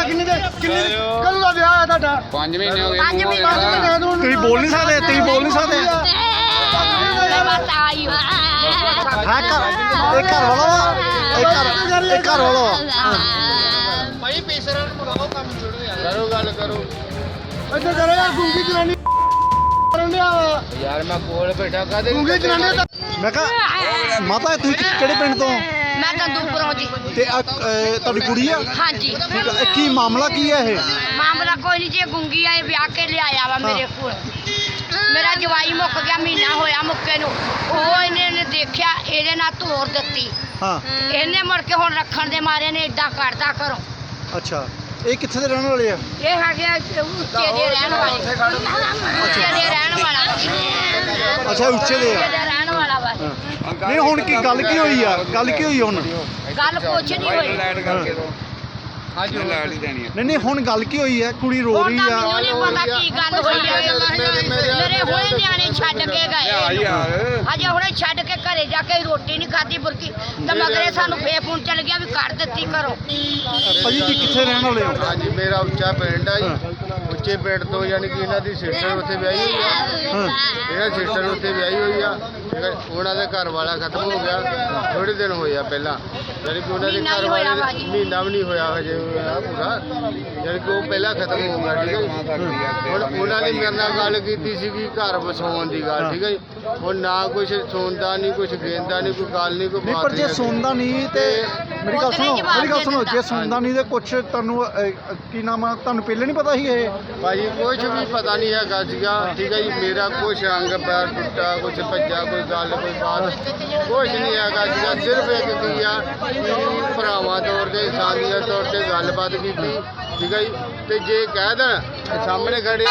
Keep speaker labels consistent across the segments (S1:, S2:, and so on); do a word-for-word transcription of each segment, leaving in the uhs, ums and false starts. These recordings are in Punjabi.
S1: ਕਿੰਨੀ ਦੇ ਕਿੰਨੀ ਕਦੋਂ ਦਾ ਵਿਆਹ ਹੈ ਤੁਹਾਡਾ?
S2: ਪੰਜ ਮਹੀਨੇ ਹੋ ਗਏ।
S3: ਪੰਜ ਮਹੀਨੇ ਹੋ ਗਏ।
S1: ਤੁਸੀਂ ਬੋਲ ਨਹੀਂ ਸਕਦੇ, ਤੁਸੀਂ ਬੋਲ ਨਹੀਂ ਸਕਦੇ। ਹਾਂ ਘਰ ਇਹ ਘਰ ਵਾਲਾ ਵਾ, ਇਹ ਘਰ ਇਹ ਘਰ ਵਾਲਾ ਵਾ।
S2: ਭਾਈ ਪੀਸਰਾਂ ਨੂੰ ਬੁਲਾਓ, ਕੰਮ ਛੋੜੋ ਯਾਰ। ਕਰੋ ਗੱਲ ਕਰੋ।
S1: ਇੱਧਰ ਕਰੋ ਯਾਰ, ਗੁੰਗੀ ਜਨਾਨੀ ਕਰਨ ਡਿਆ ਵਾ।
S2: ਯਾਰ ਮੈਂ ਕੋਲ ਬੈਠਾ ਕਾਦੇ
S1: ਗੁੰਗੀ ਜਨਾਨੀ ਦਾ ਮੈਂ ਕਿਹਾ ਮਾਤਾ ਤੁਸੀਂ ਕਿਹੜੇ ਪਿੰਡ ਤੋਂ?
S3: ਮੈਂ ਕੰਦੂਪੁਰੋਂ ਜੀ।
S1: ਤੇ ਆਹ, ਅਹ, ਤੁਹਾਡੀ ਕੁੜੀ ਆ?
S3: ਹਾਂਜੀ।
S1: ਠੀਕ ਆ, ਇਹ ਕੀ ਮਾਮਲਾ ਕੀ ਹੈ ਇਹ?
S3: ਮਾਮਲਾ ਕੋਈ ਨਹੀਂ ਜੀ, ਗੁੰਗੀ ਆਏ ਵਿਆਹ ਕੇ ਲਿਆਇਆ ਵਾ ਮੇਰੇ ਕੋਲ। ਮੇਰਾ ਜਵਾਈ ਮੁੱਕ ਗਿਆ, ਮਹੀਨਾ ਹੋਇਆ ਮੁੱਕੇ ਨੂੰ। ਉਹ ਇਹਨੇ ਨੇ ਦੇਖਿਆ, ਇਹਦੇ ਨਾਲ ਤੋੜ ਦਿੱਤੀ।
S1: ਹਾਂ
S3: ਇਹਨੇ ਮੁੜ ਕੇ ਹੁਣ ਰੱਖਣ ਦੇ ਮਾਰੇ ਨੇ ਇਦਾਂ ਕਰਦਾ ਘਰੋਂ।
S1: ਅੱਛਾ, ਇਹ ਕਿੱਥੇ ਦੇ ਰਹਿਣ ਵਾਲੇ ਆ?
S3: ਇਹ ਹੈਗੇ ਆ ਉੱਚੇ ਦੇ ਰਹਿਣ ਵਾਲੇ। ਉੱਚੇ ਦੇ ਰਹਿਣ ਵਾਲਾ।
S1: ਅੱਛਾ ਉੱਚੇ ਦੇ ਆ।
S3: ਉੱਚੇ ਦੇ ਰਹਿਣ ਵਾਲਾ ਵਾ।
S1: ਨਹੀਂ ਹੁਣ ਕੀ ਗੱਲ ਕੀ ਹੋਈ ਆ? ਗੱਲ ਕੀ ਹੋਈ ਹੁਣ?
S3: ਗੱਲ ਕੁਛ ਨਹੀਂ ਹੋਈ।
S2: ਲਾਈਟ ਕਰਕੇ ਦੋ। ਅੱਜ ਲਾਈਟ ਹੀ ਦੇਣੀ ਹੈ।
S1: ਨਹੀਂ ਨਹੀਂ ਹੁਣ ਗੱਲ ਕੀ ਹੋਈ ਹੈ? ਕੁੜੀ ਰੋ
S3: ਹੁਣ
S1: ਰਹੀ
S3: ਤਾਂ
S1: ਆ।
S3: ਮੈਨੂੰ ਨਹੀਂ ਪਤਾ ਕੀ ਗੱਲ ਹੋਈ ਹੈ। ਮੇਰੇ ਹੁਣੇ ਨਿਆਣੇ ਛੱਡ ਕੇ ਗਏ।
S2: ਯਾਰ
S3: ਅਜੇ ਹੁਣੇ ਛੱਡ ਕੇ ਘਰੇ ਜਾ ਕੇ ਰੋਟੀ ਨਹੀਂ ਖਾਧੀ ਬੁਰਕੀ ਤੇ ਮਗਰੇ ਸਾਨੂੰ ਫੇਰ ਫੋਨ ਚੱਲ ਗਿਆ ਵੀ ਕੱਢ ਦਿੱਤੀ ਘਰੋਂ।
S1: ਭਾਜੀ ਜੀ ਕਿੱਥੇ ਰਹਿਣ ਵਾਲੇ ਹੋ?
S4: ਹਾਂਜੀ ਮੇਰਾ ਉੱਚਾ ਪਿੰਡ ਆ ਜੀ। ਉੱਚੇ ਪਿੰਡ ਤੋਂ ਯਾਨੀ ਕਿ ਇਹਨਾਂ ਦੀ ਸਿਸਟਰ ਉੱਥੇ ਵਿਆਹੀ ਹੋਈ ਆ।
S1: ਹਾਂ
S4: ਇਹਨਾਂ ਸਿਸਟਰ ਉੱਥੇ ਵਿਆਹੀ ਹੋਈ ਆ। ਠੀਕ ਹੈ, ਉਹਨਾਂ ਦੇ ਘਰ ਵਾਲਾ ਖਤਮ ਹੋ ਗਿਆ ਥੋੜੇ ਦਿਨ ਹੋਏ ਆ ਪਹਿਲਾਂ। ਯਾਨੀ ਕਿ ਉਹਨਾਂ ਦੇ
S3: ਮਹੀਨਾ
S4: ਘਰ
S3: ਹੀ ਹੋਇਆ
S4: ਵਾਲੇ
S3: ਭਾਜੀ।
S4: ਮਹੀਨਾ ਵੀ ਨਹੀਂ ਹੋਇਆ ਹਜੇ ਹੋਇਆ ਪੂਰਾ। ਯਾਨੀ ਕਿ ਉਹ ਪਹਿਲਾਂ ਖਤਮ ਹੋ ਗਿਆ। ਠੀਕ ਹੈ ਜੀ। ਹੁਣ ਉਹਨਾਂ ਨੇ ਮੇਰੇ ਨਾਲ ਗੱਲ ਕੀਤੀ ਸੀਗੀ ਘਰ ਵਸਾਉਣ ਦੀ ਗੱਲ। ਠੀਕ ਹੈ ਜੀ। ਹੁਣ ਨਾ ਕੁਛ ਸੁਣਦਾ ਨਹੀਂ, ਕੁਛ ਗੇਂਦਾ ਨਹੀਂ, ਕੋਈ ਗੱਲ ਨਹੀਂ, ਕੋਈ
S1: ਨਹੀਂ
S4: ਬਾਤ
S1: ਪਰ ਜੇ ਸੁਣਦਾ ਨਹੀਂ ਤੇ ਮੇਰੀ ਗੱਲ ਸੁਣੋ, ਮੇਰੀ ਗੱਲ ਸੁਣੋ, ਜੇ ਸੁਣਦਾ ਨਹੀਂ ਤੇ ਕੁਛ ਤੁਹਾਨੂੰ ਅਹ, ਕੀ ਨਾਮ ਆ, ਤੁਹਾਨੂੰ ਪਹਿਲੇ ਨਹੀਂ ਪਤਾ ਸੀ ਇਹ?
S4: ਭਾਜੀ ਕੁਛ ਵੀ ਪਤਾ ਨਹੀਂ ਹੈਗਾ ਸੀਗਾ। ਠੀਕ ਹੈ ਜੀ। ਮੇਰਾ ਕੁਛ ਅੰਗ ਪੈਰ ਟੁੱਟਾ, ਕੁਛ ਭੱਜਾ, ਕੋਈ ਗੱਲ ਕੋਈ ਬਾਤ ਕੁਛ ਨਹੀਂ ਹੈਗਾ ਸੀਗਾ। ਸਿਰਫ ਇੱਕ ਕੀ ਆ ਕਿ ਭਰਾਵਾਂ ਤੌਰ ਤੇ ਇਨਸਾਨੀਅਤ ਤੌਰ ਤੇ ਗੱਲਬਾਤ ਕੀਤੀ। ਠੀਕ ਹੈ ਜੀ। ਤੇ ਜੇ ਕਹਿ ਦੇਣ ਕਿ ਸਾਹਮਣੇ ਖੜੇ ਆ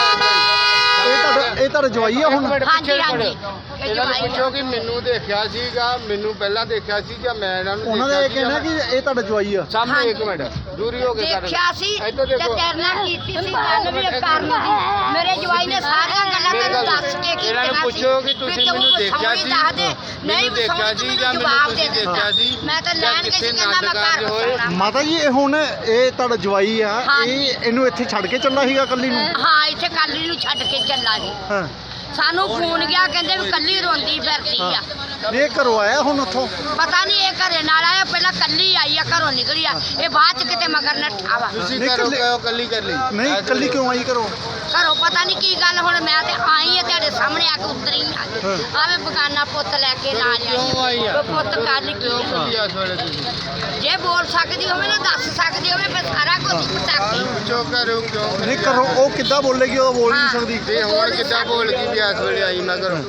S1: ਇਹ ਤੁਹਾਡਾ ਇਹ ਤੁਹਾਡਾ ਜਵਾਈ ਆ ਹੁਣ?
S3: ਹਾਂਜੀ ਹਾਂਜੀ ਇਹ
S4: ਇਹਨਾਂ ਨੂੰ
S3: ਜਵਾਈ
S4: ਪੁੱਛੋ ਕਿ ਮੈਨੂੰ ਦੇਖਿਆ ਸੀਗਾ, ਮੈਨੂੰ ਪਹਿਲਾਂ ਦੇਖਿਆ ਸੀ ਜਾਂ ਮੈਂ ਇਹਨਾਂ ਨੂੰ
S1: ਉਹਨਾਂ ਦਾ ਇਹ
S4: ਦੇਖਿਆ
S1: ਕਹਿਣਾ ਕਿ ਇਹ ਤੁਹਾਡਾ ਜਵਾਈ ਆ।
S4: ਸਾਹਮਣੇ ਇੱਕ ਮਿੰਟ ਦੂਰੀ ਹੋ ਕੇ ਕਰ
S3: ਦੇਖਿਆ ਸੀ
S4: ਇੱਧਰ
S3: ਤੇ
S4: ਦੇਖੋ।
S3: ਤੇਰੇ ਨਾਲ ਕੀਤੀ ਸੀ ਗੱਲ ਵੀ ਇਹ ਕਰਨ ਦੀ। ਮੇਰੇ ਜਵਾਈ ਨੇ ਸਾਰੀਆਂ ਗੱਲਾਂ ਤੈਨੂੰ ਦੱਸ ਕੇ ਕੀਤੀਆਂ ਸੀ।
S4: ਇਹਨਾਂ ਨੂੰ ਪੁੱਛੋ ਕਿ ਤੁਸੀਂ
S3: ਵੀ ਤੂੰ
S4: ਮੈਨੂੰ ਦੇਖਿਆ
S3: ਵਸਾਉਣੀ
S4: ਸੀ,
S3: ਦੱਸ ਦੇ। ਨਹੀਂ
S4: ਮੈਨੂੰ ਦੇਖਿਆ
S3: ਵਸਾਉਣੀ
S4: ਸੀ
S3: ਤੂੰ
S4: ਜਾਂ
S3: ਮੈਨੂੰ
S4: ਮੈਨੂੰ
S3: ਜਵਾਬ
S4: ਤੁਸੀਂ
S3: ਦੇ ਦਿੱਤਾ।
S4: ਦੇਖਿਆ ਸੀ
S3: ਮੈਂ ਤਾਂ
S4: ਜਾਂ
S3: ਲੈਣ ਗਈ ਸੀ,
S4: ਕਿੱਥੇ
S3: ਕਹਿੰਦਾ ਮੈਂ
S4: ਨਾਟਕ
S3: ਘਰ
S4: ਹੋਏ।
S3: ਵਸਾਉਣਾ।
S1: ਮਾਤਾ ਜੀ ਇਹ ਹੁਣ ਇਹ ਤੁਹਾਡਾ ਜਵਾਈ ਆ,
S3: ਹਾਂਜੀ।
S1: ਇਹ ਇਹਨੂੰ ਇੱਥੇ ਛੱਡ ਕੇ ਚੱਲਾ ਸੀਗਾ ਕੱਲੀ ਨੂੰ?
S3: ਹਾਂ ਇੱਥੇ ਕਾਲੀ ਨੂੰ ਛੱਡ ਕੇ ਚੱਲਾ ਸੀ।
S1: ਹਾਂ
S3: ਸਾਨੂੰ ਫੋਨ ਗਿਆ, ਕਹਿੰਦੇ ਵੀ ਕੱਲੀ ਰੋਂਦੀ ਫਿਰਦੀ ਆ।
S1: ਇਹ ਘਰੋਂ ਆਇਆ ਹੁਣ ਉੱਥੋਂ?
S3: ਪਤਾ ਨਹੀਂ ਇਹ ਘਰੇ ਨਾਲ ਆਇਆ, ਪਹਿਲਾਂ ਕੱਲੀ ਆਈ ਆ, ਘਰੋਂ ਨਿਕਲੀ ਆ। ਇਹ ਬਾਅਦ ਚ ਕਿਤੇ ਮਗਰ ਨੱਠਾ ਵਾ।
S4: ਤੁਸੀਂ
S1: ਨਹੀਂ,
S4: ਕਰੋ
S1: ਇਕੱਲੇ-
S4: ਕਿਉਂ ਕੱਲੀ ਕਰ ਲਈ?
S1: ਨਹੀਂ ਕੱਲੀ ਕਿਉਂ ਆਈ ਘਰੋਂ?
S3: ਘਰੋਂ ਪਤਾ ਨਹੀਂ ਕੀ ਗੱਲ। ਹੁਣ ਮੈਂ ਤੇ ਆਈ ਆ ਤੁਹਾਡੇ ਸਾਹਮਣੇ ਆ ਕੇ ਉਤਰੀ ਆ ਗਈ। ਆਵੇ ਬਗਾਨਾ ਪੁੱਤ ਲੈ ਕੇ ਨਾਲ
S4: ਕਿਉਂ ਆਈ ਆ?
S3: ਪੁੱਤ ਕਰ ਲਈ
S4: ਕਿਉਂ ਕੱਲੀ ਆ ਇਸ ਵੇਲੇ ਤੁਸੀਂ?
S3: ਜੇ ਬੋਲ ਸਕਦੀ ਹੋਵੇ ਨਾ, ਦੱਸ ਸਕਦੀ ਹੋਵੇ, ਫਿਰ ਸਾਰਾ ਕੁਝ ਪੁੱਛ ਸਕਦੀ।
S4: ਪੁੱਛੋ ਕਰੋ ਕਿਉਂ
S1: ਨਹੀਂ ਘਰੋਂ ਉਹ ਕਿੱਦਾਂ ਬੋਲੇਗੀ? ਉਹ ਬੋਲ ਨਹੀਂ ਸਕਦੀ।
S4: ਤੇ ਹੁਣ ਕਿੱਦਾਂ ਬੋਲ ਗਈ ਵੀ ਇਸ ਵੇਲੇ ਆਈ ਮੈਂ ਘਰੋਂ?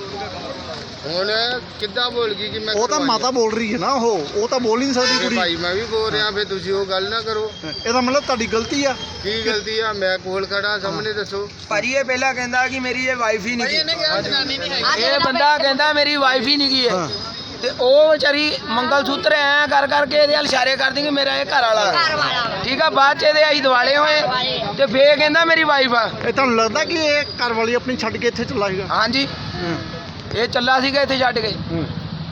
S4: ਹੁਣ ਕਿੱਦਾਂ ਬੋਲ ਗਈ ਕਿ ਮੈਂ
S1: ਉਹ ਤਾਂ
S4: ਘਰੋਂ ਆਈ?
S1: ਮਾਤਾ ਬੋਲ ਰਹੀ ਹੈ ਨਾ, ਉਹ ਉਹ ਤਾਂ ਬੋਲ ਹੀ ਨਹੀਂ ਸਕਦੀ
S4: ਤੇ
S1: ਕੁੜੀ।
S4: ਭਾਈ ਮੈਂ ਵੀ ਬੋਲ ਰਿਹਾ, ਫਿਰ ਤੁਸੀਂ ਉਹ ਗੱਲ ਨਾ ਕਰੋ।
S1: ਇਹਦਾ ਮਤਲਬ ਤੁਹਾਡੀ ਗਲਤੀ ਆ।
S4: ਕੀ ਗਲਤੀ ਆ? ਮੈਂ ਕੋਲ ਖੜਾ, ਸਾਹਮਣੇ ਦੱਸੋ।
S5: ਭਾਜੀ ਇਹ ਪਹਿਲਾਂ ਕਹਿੰਦਾ ਕਿ ਮੇਰੀ ਇਹ ਵਾਈਫ ਹੀ ਨਹੀਂ ਗੀ।
S3: ਆਹ
S5: ਇਹ ਬੰਦਾ ਕਹਿੰਦਾ ਮੇਰੀ ਵਾਈਫ ਹੀ ਨਹੀਂ ਗਈ ਹੈ।
S1: ਹਾਂ
S5: ਤੇ ਉਹ ਵਿਚਾਰੀ ਮੰਗਲ ਸੂਤਰ ਐ ਕਰ ਕਰਕੇ ਇਹਦੇ ਵੱਲ ਇਸ਼ਾਰੇ ਕਰਦੀ ਕਿ ਮੇਰਾ ਇਹ ਘਰ ਵਾਲਾ
S3: ਘਰ
S5: ਹੈ।
S3: ਵਾਲਾ ਵਾ।
S5: ਠੀਕ ਆ, ਬਾਅਦ ਚ ਇਹਦੇ ਅਸੀਂ ਦਿਵਾਲੇ ਹੋਏ ਤੇ ਫੇਰ ਕਹਿੰਦਾ ਮੇਰੀ ਵਾਈਫ ਆ।
S1: ਇਹ ਤੁਹਾਨੂੰ ਲੱਗਦਾ ਕਿ ਇਹ ਘਰ ਵਾਲੀ ਆਪਣੀ ਛੱਡ ਕੇ ਇੱਥੇ ਚੱਲਾ ਸੀਗਾ?
S5: ਹਾਂਜੀ ਇਹ ਚੱਲਾ ਸੀਗਾ ਇੱਥੇ ਛੱਡ ਕੇ।
S1: ਹੂੰ।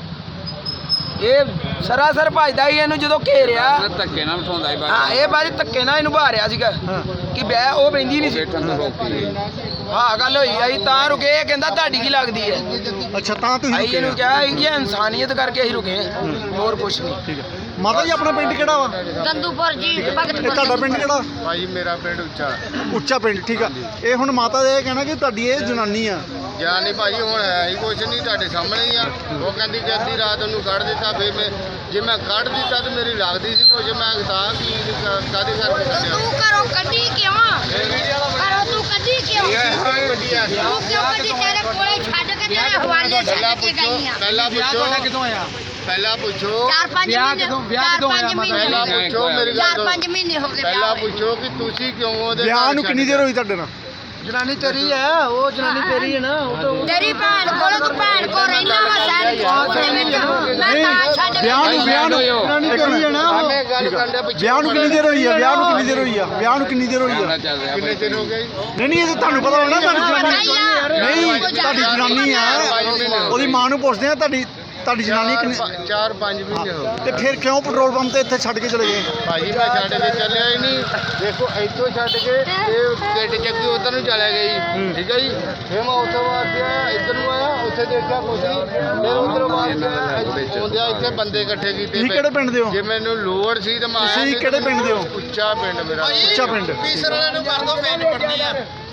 S5: ਇਹ ਸਰਾਸਰ ਭਜਦਾ ਹੀ ਇਹਨੂੰ ਜਦੋਂ ਘੇਰਿਆ।
S2: ਧੱਕੇ ਨਾਲ ਉਠਾਉਂਦਾ ਹੀ
S5: ਹਾਂ
S2: ਬਾਅਦ
S5: ਇਹ ਬਾਅਦ ਧੱਕੇ ਨਾਲ ਇਹਨੂੰ ਬਾਹਰਿਆ ਸੀਗਾ
S1: ਹਾਂ
S5: ਕਿ ਬੈ ਉਹ ਬੈਂਦੀ ਨਹੀਂ ਸੀ।
S2: ਬੈਠਣ ਤੋਂ ਰੋਕੀ।
S5: ਹਾਂ ਗੱਲ ਹੋਈ ਅਸੀਂ ਤਾਂ ਰੁਕੇ। ਇਹ ਕਹਿੰਦਾ ਤੁਹਾਡੀ ਕੀ ਲੱਗਦੀ ਹੈ?
S1: ਅੱਛਾ ਤਾਂ ਤੁਸੀਂ
S5: ਅਸੀਂ
S1: ਰੁਕੇ
S5: ਇਹਨੂੰ
S1: ਆ।
S5: ਕਿਹਾ ਕਿ ਇਹ ਇਨਸਾਨੀਅਤ ਕਰਕੇ ਅਸੀਂ ਰੁਕੇ ਹਾਂ, ਹੋਰ ਕੁਛ ਨਹੀਂ।
S1: ਠੀਕ ਹੈ ਮਾਤਾ ਜੀ ਆਪਣਾ ਪਿੰਡ ਕਿਹੜਾ ਵਾ?
S3: ਗੰਦੂਪੁਰ ਜੀ,
S1: ਇਹ
S3: ਭਗਤਪੁਰ।
S1: ਤੁਹਾਡਾ ਪਿੰਡ ਕਿਹੜਾ?
S4: ਭਾਈ ਮੇਰਾ ਪਿੰਡ ਉੱਚਾ।
S1: ਉੱਚਾ ਪਿੰਡ। ਠੀਕ ਆ। ਇਹ ਹੁਣ ਮਾਤਾ ਦਾ ਇਹ ਕਹਿਣਾ ਕਿ ਤੁਹਾਡੀ ਇਹ ਜਨਾਨੀ ਆ।
S4: ਜਾਂ ਨਹੀਂ ਭਾਜੀ ਹੁਣ ਹੈ ਹੀ ਕੁਛ ਨਹੀਂ, ਤੁਹਾਡੇ ਸਾਹਮਣੇ ਹੀ ਆ। ਉਹ ਕਹਿੰਦੀ ਕਿ ਅੱਧੀ ਰਾਤ ਉਹਨੂੰ ਕੱਢ ਦਿੱਤਾ। ਫਿਰ ਮੈਂ ਜੇ ਮੈਂ ਕੱਢ ਦਿੱਤਾ ਤਾਂ ਮੇਰੀ ਲੱਗਦੀ ਸੀ ਕੁਛ। ਮੈਂ ਤਾਂ ਕੀ ਕਾਹਦੇ ਕਰਕੇ ਕੱਢਿਆ?
S3: ਤੂੰ ਘਰੋਂ ਕੱਢੀ ਕਿਉਂ? ਘਰੋਂ ਤੂੰ ਕੱਢੀ ਕਿਉਂ?
S4: ਇਹ ਹੋਈ ਗੱਡੀ ਆ।
S3: ਤੂੰ ਕਿਉਂ ਕੱਢੀ? ਤੇਰੇ ਕੋਲੇ ਛੱਡ ਕੇ ਤੇਰੇ ਹਵਾਲੇ
S4: ਪਹਿਲਾਂ
S3: ਛੱਡ ਕੇ
S4: ਪੁੱਛੋ,
S3: ਗਈ ਆ।
S4: ਪਹਿਲਾਂ ਪੁੱਛੋ
S5: ਕਿਦੋਂ ਆਇਆ?
S4: ਪਹਿਲਾਂ ਪੁੱਛੋ
S3: ਚਾਰ ਪੰਜ
S5: ਵਿਆਹ
S3: ਮਹੀਨੇ
S5: ਕਦੋਂ- ਵਿਆਹ
S3: ਚਾਰ
S5: ਕਦੋਂ
S3: ਪੰਜ
S5: ਹੋਇਆ ਮਾਤਾ?
S3: ਮਹੀਨੇ
S4: ਪਹਿਲਾਂ
S3: ਹੋ ਗਏ।
S4: ਪੁੱਛੋ ਮੇਰੀ ਗੱਲ
S3: ਚਾਰ
S4: ਸੁਣੋ।
S3: ਪੰਜ ਮਹੀਨੇ ਹੋ ਗਏ
S4: ਪਹਿਲਾਂ
S3: ਵਿਆਹ
S4: ਪੁੱਛੋ ਕਿ ਤੁਸੀਂ ਕਿਉਂ ਉਹਦੇ
S1: ਵਿਆਹ
S4: ਘਰ
S1: ਨੂੰ ਕਿੰਨੀ
S4: ਛੱਡ
S1: ਦੇਰ ਹੋਈ ਤੁਹਾਡੇ ਨਾਲ?
S5: ਜਨਾਨੀ ਤੇਰੀ ਹੈ, ਉਹ ਜਨਾਨੀ ਤੇਰੀ ਹੈ ਨਾ। ਉਹ ਤਾਂ
S3: ਤੇਰੀ ਭੈਣ ਕੋਲ ਤੂੰ ਭੈਣ ਕੋਲ ਰਹਿਣਾ ਵਾ ਸੈਨ ਚੌਕ ਦੇ ਵਿੱਚ। ਮੈਂ ਤਾਂ ਛੱਡ ਕੇ
S1: ਵਿਆਹ ਨੂੰ ਵਿਆਹ ਨੂੰ
S2: ਜਨਾਨੀ
S1: ਤੇਰੀ ਹੈ ਨਾ ਉਹ।
S4: ਮੈਂ ਗੱਲ ਕਰਨ ਦਾ ਪਿੱਛੇ
S1: ਵਿਆਹ ਨੂੰ ਕਿੰਨੀ ਦੇਰ ਹੋਈ ਆ? ਵਿਆਹ ਨੂੰ ਕਿੰਨੀ ਦੇਰ ਹੋਈ ਆ? ਵਿਆਹ ਨੂੰ ਕਿੰਨੀ ਦੇਰ ਹੋਈ ਆ?
S2: ਕੈਮਰਾ ਚੱਲ ਰਿਹਾ
S4: ਕਿੰਨੇ ਦਿਨ ਹੋ ਗਏ ਜੀ?
S1: ਨਹੀਂ ਨਹੀਂ ਇਹ ਤਾਂ ਤੁਹਾਨੂੰ ਪਤਾ ਹੋਣਾ ਤੁਹਾਡੀ
S3: ਪਤਾ
S1: ਜਨਾਨੀ
S3: ਹੀ ਆ।
S1: ਨਹੀਂ ਤੁਹਾਡੀ ਜਨਾਨੀ ਆ। ਉਹਦੀ ਮਾਂ ਨੂੰ ਪੁੱਛਦੇ ਆ ਤੁਹਾਡੀ ਤੁਹਾਡੀ ਜਨਾਨੀ
S4: ਚਾਰ-
S1: ਕਿੰਨੇ
S4: ਚਾਰ ਪੰਜ ਮਹੀਨੇ ਹੋ ਗਏ
S1: ਤੇ ਫਿਰ ਕਿਉਂ ਪੈਟਰੋਲ ਪੰਪ ਤੇ ਇੱਥੇ ਛੱਡ ਕੇ ਚਲੇ ਗਏ?
S4: ਭਾਜੀ ਮੈਂ ਛੱਡ ਕੇ ਚੱਲਿਆ ਹੀ ਨਹੀਂ। ਦੇਖੋ ਇੱਥੋਂ ਛੱਡ ਕੇ ਇਹ ਕਿੱਟ ਚੱਕੀ ਉਧਰ ਨੂੰ ਚਲੇ ਗਈ, ਠੀਕ ਹੈ ਜੀ। ਫਿਰ ਮੈਂ ਉੱਥੋਂ ਬਾਅਦ ਗਿਆ ਇੱਧਰ ਨੂੰ ਆਇਆ, ਉੱਥੇ ਦੇਖਿਆ ਕੁਛ ਨਹੀਂ। ਫਿਰ ਉਧਰੋਂ ਬਾਅਦ ਆਉਂਦਿਆ ਇੱਥੇ ਬੰਦੇ ਇਕੱਠੇ ਕੀਤੇ।
S1: ਤੁਸੀਂ ਕਿਹੜੇ ਪਿੰਡ ਦੇ ਹੋ?
S4: ਜੇ ਮੈਨੂੰ ਲੋੜ ਸੀ ਤਾਂ ਮੈਂ ਆਇਆ
S1: ਤੁਸੀਂ
S4: ਨਹੀਂ।
S1: ਕਿਹੜੇ ਪਿੰਡ ਦੇ ਹੋ?
S4: ਉੱਚਾ ਪਿੰਡ ਮੇਰਾ।
S1: ਉੱਚਾ ਪਿੰਡ।
S2: ਪੀਸਰ ਵਾਲਿਆਂ ਨੂੰ ਕਰ ਦੋ ਫੇਨ ਪੜਨੀ ਆ